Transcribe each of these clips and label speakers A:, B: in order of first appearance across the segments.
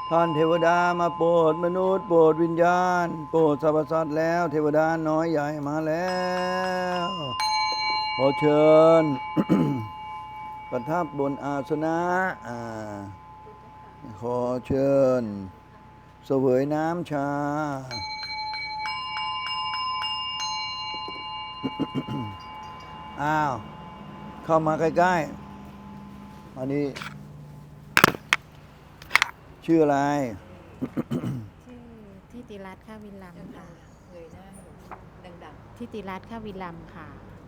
A: ท่านเทวดามาโปรดมนุษย์โปรดวิญญาณโปรดสรรพสัตว์แล้วเทวดาน้อยใหญ่มาแล้วขอเชิญ ประทับบนอาสนะขอเชิญเสวยน้ำชาอ้าวเข้ามาใกล้ๆอันนี้ชื่ออะไร
B: ชื่อทิติรัตน์ข้าวิลัมค่ะ
C: เงยหน้าให้ดัง
B: ทิติรัตน์ข้าวิลัมค่ะ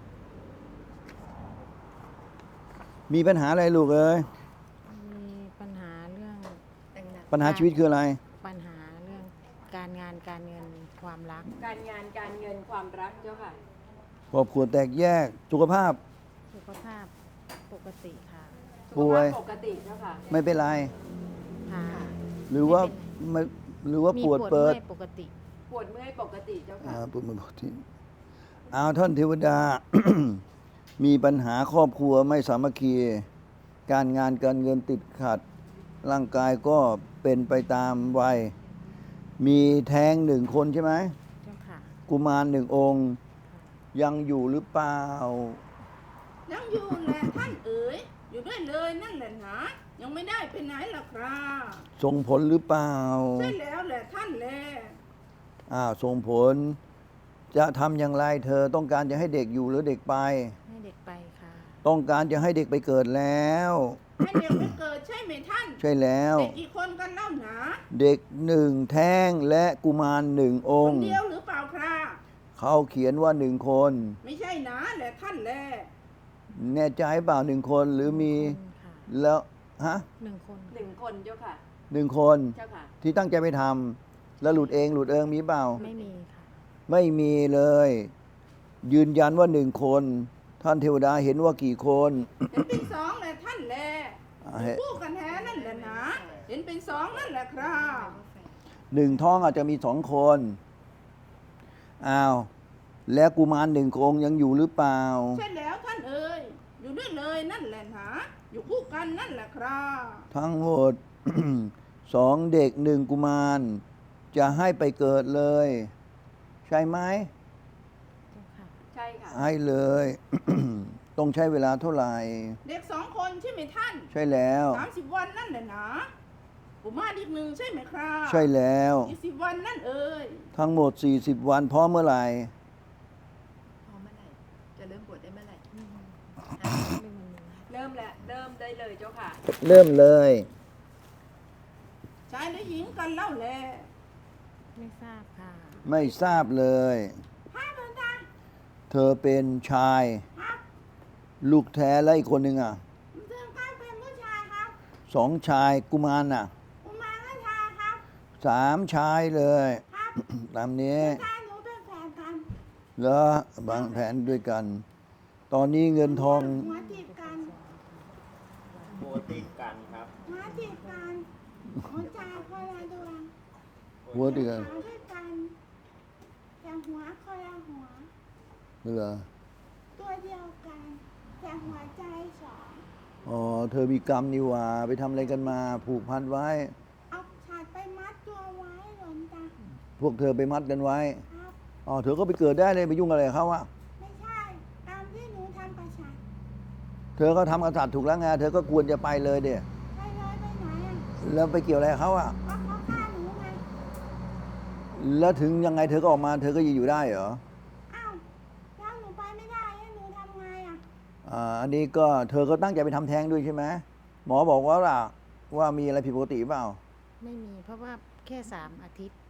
A: มีปัญหาอะไรลูกเอ้ย
B: มีปัญหาเรื่อง
C: ๆดัง
A: ปัญหาชีวิตคืออะไร
B: ปัญหาเรื่องการงานการเงินความรัก
C: ๆการงานการเงินความรักเจ้าค่ะ
A: ครอบครัวแตกแยกสุขภาพ
B: สุขภาพปกติค่ะ
A: ป่วย
C: สุขภาพปกติเจ้าค่ะ
A: ไม่เป็นไร
B: ค่ะ
A: หรือว่า
B: ไม่
A: ไม่หรือว่า
B: มี
A: ปวดเปิด
B: เมื่อยปกติ
C: ปวดเมื่อยปกติเจ้าค่ะ
A: ปวดเมื่อยปกติเอาท่านเทวดา มีปัญหาครอบครัวไม่สามัคคี การงานการเงินติดขัด ร่างกายก็เป็นไปตามวัย มีแท้งหนึ่งคนใช่ไหม
B: เจ้าค่ะ
A: กุมารหนึ่งองค์ ยังอยู่หรือเปล่า
D: ยังอยู่แหละท่านเอ๋ยอยู่ด้วยเลยนั่นแหละหนะยังไม่ได้ไปไหนล่ะครับ
A: ส่งผลหรือเปล่า
D: ใช่แล้วแหละท่านแล
A: ส่งผล จะทำอย่างไรเธอต้องการจะให้เด็กอยู่หรือเด็กไป
B: ให้เด็กไปค่ะ
A: ต้องการจะให้เด็กไปเกิดแล้ว
D: ให้เด็กไปเกิดใช่ไหมท่าน
A: ใช่แล้ว
D: เด็กกี่คนกันเล่าหนา
A: เด็กหนึ่งแท้งและกุมารหนึ่งอ
D: ค
A: ง
D: น
A: ค์
D: เดียวหรือเปล่าครับ
A: เขาเขียนว่าหนึ่งคน
D: ไม่ใช่หนาแหละท่านแล
A: แน่ใจเปล่าหนึ่งคนหรือมี
B: คนค่ะ
A: แล้วฮะ
B: หนึ่งคน
C: หนึ่งคนเจ้าค่ะ
A: หนึ่งคน
C: เจ้าค่ะ
A: ที่ตั้งใจไปทำแล้วหลุดเองหลุดเองมีเปล่า
B: ไม่มีค่ะ
A: ไม่มีเลย ยืนยันว่าหนึ่งคน ท่านเทวดาเห็นว่ากี่คน
D: เห็นเป็นสองแหละท่านแล
A: อ่าเห็น
D: คู่กันแท้นั่นแหละหนะเห็นเป็นสองนั่นแหละครับ
A: หนึ่งท้องอาจจะมีสองคนอ้าวแล้วกุมารหนึ่งองค์ยังอยู่หรือเปล่า
D: ใช่แล้วท่านเอ๋ยอยู่ด้วยเลยนั่นแหละหนะอยู่คู่กันนั่นแหละครับ
A: ทั้งหมด สองเด็กหนึ่งกุมาร จะให้ไปเกิดเลย ใช่ไหม
B: เจ้าค่ะ
C: ใช่ค่ะ
A: ให้เลย ต้องใช้เวลาเท่าไหร่
D: เด็กสองคนใช่ไหมท่าน
A: ใช่แล้ว
D: 30 วันนั่นแหละนะกุมารอีกหนึ่งใช่ไหมครับ
A: ใช่แล้ว
D: 20 วันนั่นเอ่ย
A: ทั้งหมด 40 วันพร้อมเมื่อไหร่
C: พอเมื่อไหร่ จะเริ่มปวดได้เมื่อไหร่
B: ไม่มี
C: เริ่มแล้วเริ่มได้เลยเจ้าค่ะ
A: เริ่มเลย
D: ชายหรือหญิงกันเล่าแล
B: ไม่ทราบค่ะ
A: ไม่ทราบเลย
D: ห้าเดินทาง
A: เธอเป็นชาย
D: ครับ
A: ลูกแท้และอีกคนหนึ่งอ่ะ
D: เดินข้างเป็นผู้ชายครับ
A: สองชายกุมารน่ะ
D: กุมารก็ชายครับ
A: สามชายเลย
D: ครับ
A: ตามนี้
D: ชายหนูเป็นแฟนกัน
A: แล้วบางแผนด้วยกัน ตอนนี้เงินทอง
D: หัวติดกัน
E: โบติดกันครับ
D: หัวติดกันหัวใจคนละดวง
A: หัวติดกัน
D: ขาด้วยกันแต่หัวคนละหัว
A: เหรอ
D: ตัวเดียวกันแต่หัวใจสอง
A: อ๋อ เธอมีกรรมนี่หว่า ไปทำอะไรกันมา ผูกพันไว้
D: เอาขาดไปมัดตัวไว้หลนตา
A: พวกเธอไปมัดกันไว้
D: ครับ
A: อ๋อ เธอก็ไปเกิดได้เลยไปยุ่งอะไรกับเขาอะ
D: ไม่ใช่ตามที่หนูทำประชัน
A: เธอก็ทำกษัตริย์ถูกแล้วไง เธอก็ควรจะไปเลยเดีย
D: ไปเลยไปไหนอ่ะ
A: แล้วไปเกี่ยวอะไรกับเขาอะ
D: ก็เขาฆ่าหนูไง
A: แล้วถึงยังไงเธอก็ออกมา เธอก็ยังอยู่ได้เหรอ
D: อ้าวแล้วหนูไปไม่ได้ให้หนูทำไงอ่ะ
A: อันนี้ก็เธอก็ตั้งใจไปทำแท้งด้วยใช่ไหมหมอบอกว่าล่ะว่ามีอะไรผิดปกติเปล่า
B: ไม่มีเพราะว่าแค่3 อาทิตย์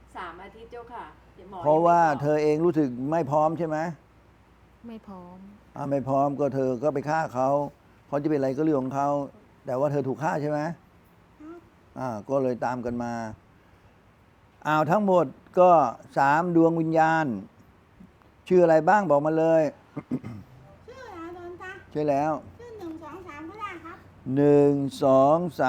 C: 3 อาทิตย์เจ้าค่ะดี๋ยวหมอ
A: เพราะว่า
C: ยังไม่บก
A: เธอเองรู้สึกไม่พร้อมใช่ไหม
B: ไม่พร้อม
A: ไม่พร้อมก็เธอก็ไปฆ่าเขาเขาจะเป็นอะไรก็เรื่องของเขาแต่ว่าเธอถูกฆ่าใช่ไหม
D: ครับ
A: ก็เลยตามกันมาทั้งหมดก็3 ดวงวิญญาณ ชื่ออะไรบ้างบอกมาเลย
D: ชื่ออะไรโดนตา
A: ใช่แล้ว
D: ชื่อ1 2 3ก็ได้ครับ
A: 1 2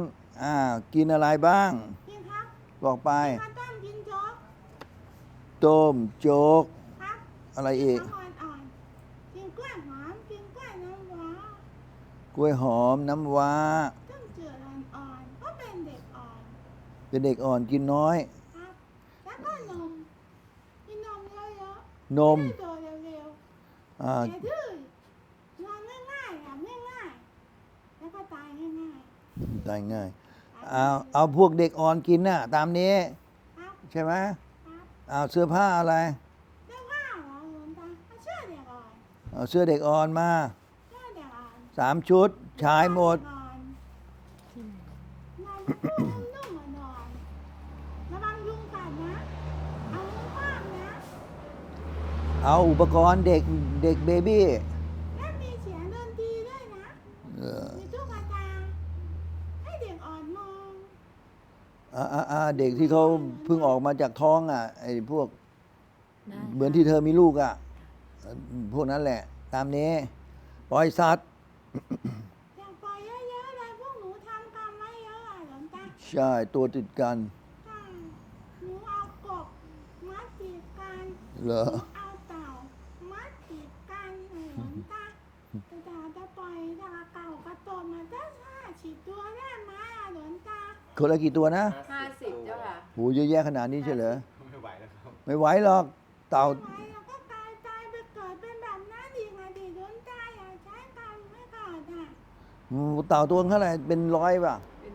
A: 3กินอะไรบ้าง
D: กินครับ
A: บอกไป
D: กินข้าวต้มกินโจ๊ก
A: ต้มโจ๊ก
D: ครับ
A: อะไรอีก
D: กินของอ่อนๆกินกล้วยหอมกินกล้วยน้ำว้าก
A: ล้วยหอมน้ำว้า
D: ต้มจืดอ่อนๆก็เป็นเด็กอ่อน
A: เป็นเด็กอ่อนกินน้อย
D: ครับแล้วก็นมกินนมเยอะ
A: น
D: ๆ
A: ม
D: ให้โตเร็ว
A: อ่า
D: ๆอย่าดื้อนอนง่ายๆหลับง่ายๆแล้วก็ตายง่าย
A: ตายง่าย
D: ๆ
A: เอาพวกเด็กอ่อนกินน่ะ ตามนี้
D: ครับ
A: ใช่ไหม
D: ครับ
A: เอาเสื้อผ้าอะไร
D: เรื่องว่าเหรอหลวงตาเอาเชื่อเด็กอ่อน
A: เอาเสื้อเด็กอ่อนมา
D: เชื่อเด็กอ่อน
A: 3 ชุด ชายหมด
D: นอน
B: ที่ไหน
D: นอนนุ่มๆนอนระวังยุงกัดนะเอามือคว้างนะ
A: เอาอุปกรณ์เด็กเบบี้
D: และมีเสียงดนตรีด้วยนะ
A: เออ
D: มีตุ๊กตาให้เด็กอ่อนมอง
A: เด็กที่เขาเพิ่งออกมาจากท้องอ่ะไอ้พวก
B: ได้
A: เหมือนที่เธอมีลูกอ่ะพวกนั้นแหละ ตามนี้ ปล่อยสัตว์
D: อยากปล่อยเยอะๆเลยพวกหนูทำกรรมไว้เยอะอ่ะหลวงตา
A: ใช่ ตัวติดกัน
D: ใช่หนูเอากบมัดติดกัน
A: เหรอ
D: เอาเต่ามัดติดกันหลวงตาแต่จะปล่อยตาเก่ากระโตนมาได้50 ตัวได้ไหมอ่ะหลวงตา
A: คนละกี่ตัวนะ
C: 50 เจ้าค่ะ
A: โหเยอะแยะขนาดนี้ใช่เหรอ
E: ไม่ไหวแล้วครับ
A: ไม่ไหวหรอก เต่า
D: ทำไมเราก็ตายไปเกิดเป็นแบบนั้นอีกไงดิหลวงตาอย่าใช้กรรมไม่ก่อนอ่ะ
A: เต่าตัวเท่าไหร่เป็น100ป่ะ
C: เป็น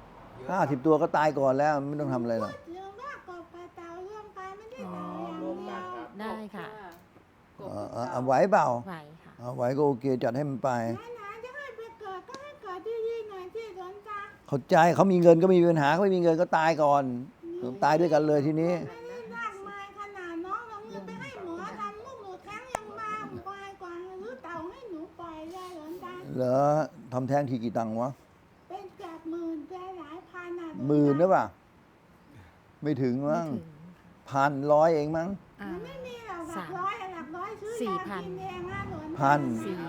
A: 50 ตัวก็ตายก่อนแล้ว ไม่ต้องทำอะไรหรอก
D: พูดถึงว่ากบกับเต่ารวมกันไม่ได้
E: อ๋อ
D: เต่าอย่าง
E: รวม
D: เดี
E: กั
D: ย
E: น
D: ว
E: ครับ
B: ได้ค่ะ
C: กบ
A: เอาไหวเปล่า
B: ไหวค่ะ
A: เอาไหวก็โอเคจัดให้มันไป
D: ไหนๆจะให้ไปเกิดก็ให้เกิดดีๆหน่อยที่หลวงตา
A: เข้าใจเขามีเงินก็ไม่มีปัญหาเขาไม่มีเงินก็ตายก่อน ตายด้วยกันเลยทีนี้
D: ไม่ได้มากมายขนาดน้องเอาเงินไปให้หมอทำลูกหนูแท้งยังมาควายกว่าหรือเต่าให้หนูปล่อยเลยหลวงตา
A: เหรอทำแท้งทีกี่ตังค์วะ
D: เป็นเกือบหมื่นเป็นหลายพันอ่ะ
A: หมื่นหรือเปล่าไม่ถึง
B: ไม่
A: มั้ง
B: ถึง
A: 1,100เองมั้ง
B: อ่า
D: มันไม่มีหรอกหลักร้อยอะหลักร้อยซื้อยากินเองนะหลวงตา
A: พัน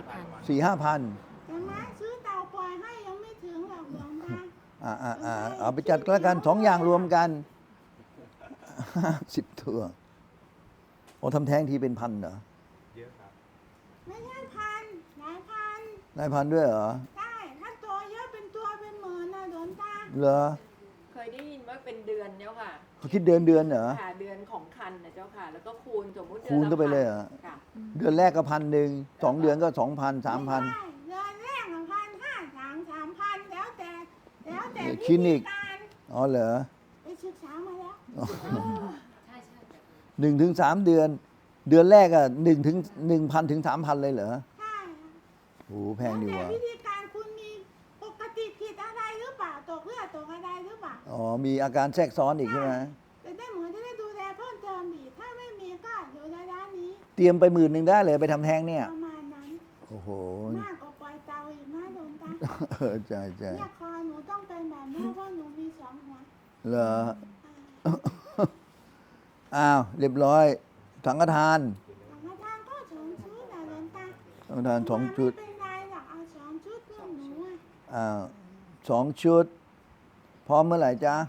B: 4,000
A: 4-5,000
D: แต่มาซื้อเต่าปล่อยให้ยังไม่ถึงหรอกหลวงตา
A: เอาไปจัดแล้วกัน2 อย่างรวมกัน 10 ตัวโอ้ทำแท้งทีเป็นพันเหรอ
E: เยอะครับ
D: ไม่ใช่พันหลายพัน
A: นายพันด้วยเหรอ
D: ได้ถ้าตัวเยอะเป็นตัวเป็นหมื่นนะหลวงตา
A: เหรอ
C: เคยได้ยินว่าเป็นเดือนเจ้าค่ะ
A: เขาคิดเดือนเหรอ
C: ค่ะเดือนของคันนะเจ้าค่ะ แล้วก็คูณสมมุติ
A: คูณเข้าไปเลยเหรอ
C: ค่ะ
A: เดือนแรกก็1,100 2 เดือนก็ 2,000 3,000
D: ไม่ได้เดือนแรก1,500 3,000แล้วแต่
A: คลินิก
D: วิธีาร
A: อ๋อเหรอ
D: ไปศึกษามาแล้ว
A: 1-3 เดือน เดือนแรกอ่ะ1,000 ถึง 3,000 เลยเหรอ
D: ใช่
A: โอ้โหแพงดี
D: แต่
A: ว่ะ
D: วิธีการคุณมีปกติผิดอะไรหรือเปล่าตกเลือดตกอะไรหรือเปล่า
A: อ๋อ มีอาการแทรกซ้อนอีกใช่ไหม
D: แต่ได้หมอจะได้ดูแลเพิ่มเติมอีกถ้าไม่มีก็อยู่ในร้านนี้
A: เตรียมไป10,000ได้เลยไปทำแท้งเนี่ย
D: ประมาณนั้น
A: โอ้โห
D: มากกว่าปล่อยเตาอีกนะหลวงตา
A: ใช่ใช่
D: เนี่ยคอหนูต้องเป็นแบบนี้เพราะหนูมี2 หัว
A: เหรอ อ้าว เรียบร้อย สังฆทาน
D: สังฆทานก็2 ชุดนะหลวงตา
A: สังฆทาน2 ชุด
D: ไม่เป็นไรหรอกเอา2 ชุดเพื่อนหนูอ่ะ
A: อ้าว2 ชุด พร้อมเมื่อไหร่จ๊ะ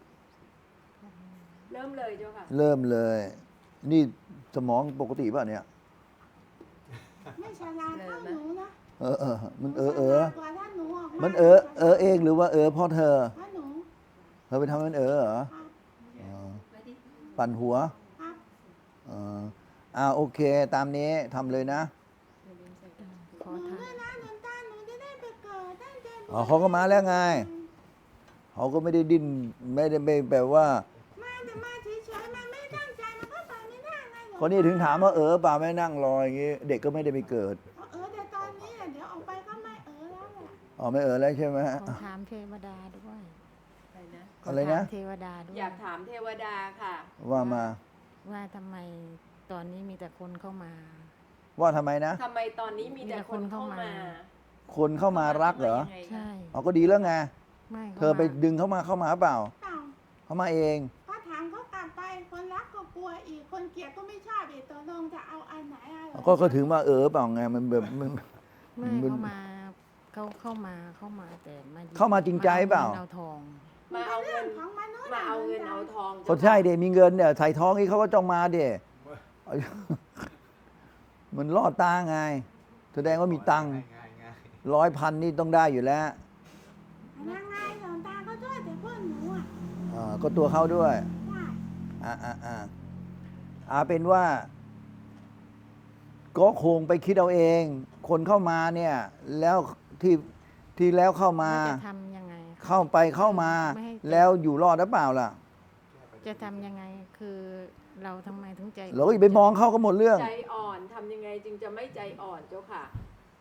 C: เริ่มเลยเจ้าค่ะ
A: เริ่มเลย นี่สมองปกติป่ะเนี่ย
D: ไม่ฉลาดเท่าหนูนะ
A: มัน
D: ฉลาดกว่าถ้าหนูออกา
A: มันเองหรือว่าเพราะเธอ
D: เพราะหนู
A: เธอไปทำให้มันเหรอ
D: ครับ
A: อ๋อปั่นหัว
D: ครับ
A: โอเค ตามนี้ทำเลยนะ
B: ขอ
D: หนู
B: ทา
D: ด้วยนะหลวงตาหนูจะได้ไปเกิดตั้งใจบวช
A: อ๋อเขาก็มาแล้วไง เขาก็ไม่ได้ดิ้นไม่ได้ไม่แบบว่า
D: มาแต่มาเฉยๆมันไม่ตั้งใจมันก็ไปไม่ได้ไงหลวง
A: คนนี้ถึงถามว่าเปล่าไม่นั่งรออย่างงี้ เด็กก็ไม่ได้ไปเกิด
D: แต่ตอนนี้เดี๋ยวออกไปก็ไม่แล้วแหละ
A: อ๋อไม่แล้วใช่ไหม
B: ขอถามเทวดาด้วย
C: อะไรนะ
B: ข
A: อะไรนะ
B: ถามเทวดาด้วย
C: อยากถามเทวดาค่ะ
A: ว่ามา
B: ว่าทำไมตอนนี้มีแต่คนเข้ามา
A: ว่าทำไมนะ
C: ทำไมตอนนี้มีแต่คนเข้ามา
A: คนเข้ามารักเหรอ
C: ข้ามายังไงคะ
B: ใช่
A: อ๋อก็ดีแล้วไง
B: ไม่
A: เธอไปดึงเข้ามาเปล่า
D: เปล่า
A: เข้ามาเอง
D: ก็ถามเขากลับไปคนรักก็กลัวอีกคนเกลียดก็ไม่ชอบอีกตกลงจะเอาอันไหนอะไร
A: ก็ถึงว่าเปล่าไงมันแบบมัน
B: ไม่
A: มัน
B: เข้ามาแต่มา
A: เข้ามาจริงใจเปล่า
B: เอาทอง
C: มาเอา
D: เรื่
C: เงิ
D: อง
C: น
D: ของมนุษย์
C: มาเอาเงินเอาทอง
A: เขาใช่เด็มีเงินเนี่ยใส่ท้องนี่เขาก็จ้องมาเด็มันล่อตาไง แสดงว่ามีตังค์
E: ง่ายง่าย
A: 100,000นี่ต้องได้อยู่แล้ว
D: ยังไงหลวงตาก็ช่วยแต่เพื่อนหนูอ่ะ
A: อก็ตัวเขาด้วย
D: ใช่
A: เป็นว่า ก็คงไปคิดเอาเอง คนเข้ามาเนี่ย แล้วที่แล้วเข้ามา
B: แล้วจะทำยังไงคะ
A: เข้าไปเข้ามา
B: ไม่ให้
A: แล้วอยู่รอดหรือเปล่าล่ะ
B: จะทำยังไงคือเราทำไมถึงใจ
A: เราก็อย่าไปมองเข้าก็หมดเรื่อง
C: ใจอ่อนทำยังไงจึงจะไม่ใจอ่อนเจ้าค่ะ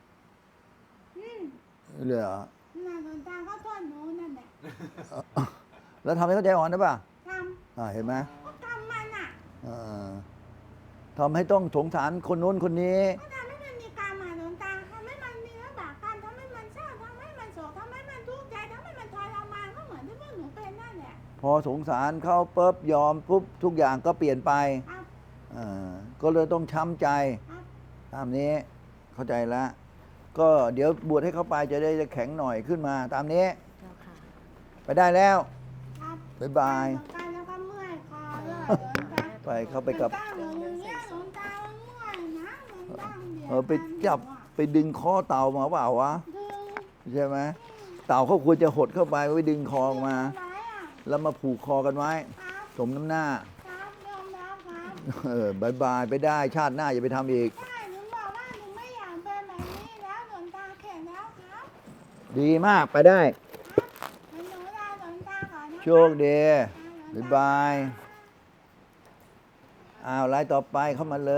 A: เหรอ
D: น่ะหลวงตาก็โทษหนูนั่นแหละ
A: แล้วทำให้เขาใจอ่อนได้ป่ะ
D: ท
A: เห็นไหม
D: ำก็กรรมมันอ่ะ
A: ทำให้ต้องสงสารคนนู้นคนนี้
D: ก็ทำให้มันมีกรรมอ่ะหลวงตาทำให้มันมีวิบากกรรมทำให้มันเศร้าทำให้มันโศกทำให้มันทุกข์ใจทำให้มันทรมานก็เหมือนที่พวกหนูเป็นนั่นแหละ
A: พอสงสารเขาปุ๊บยอมปุ๊บทุกอย่างก็เปลี่ยนไป
D: ครับ
A: ก็เลยต้องช้ำใจ
D: ครับ
A: ตามนี้เข้าใจแล้ว ก็เดี๋ยวบวชให้เขาไปจะได้แข็งหน่อยขึ้นมา ตามนี้
B: เจ้าค่ะ
A: ไปได้แล้ว
D: ครับ
A: บ๊ายบาย
D: หลวงตาแล้วก็เมื่อยคอด้วยหลวงตา
A: ไปเข้าไปกับ
D: หลวงตาหนูอย่างเงี้ยหลวงตามันเมื่อยนะหลวงตาเดี๋ยว
A: ไปจับไปดึงคอเต่ามาเปล่าวะ
D: ดึง
A: ใช่ไหมเต่าเขาควรจะหดเข้าไปไปดึงคอออกมา
D: ไว้อ่ะ
A: แล้วมาผูกคอกันไว้
D: ครับ
A: สมน้ำหน้า
D: ครับยอมรับครับ
A: บายบายไปได้ชาติหน้าอย่าไปทำอีก
D: ใช่หนูบอกว่าหนูไม่อยากเป็นแบบนี้แล้วหลวงตาเข็ดแล้วครับ
A: ดีมากไปได้
D: หนูลาหลวงตาก่อนนะ
A: โชคดีบ๊ายบายอ้าวรายต่อไปเข้ามาเลย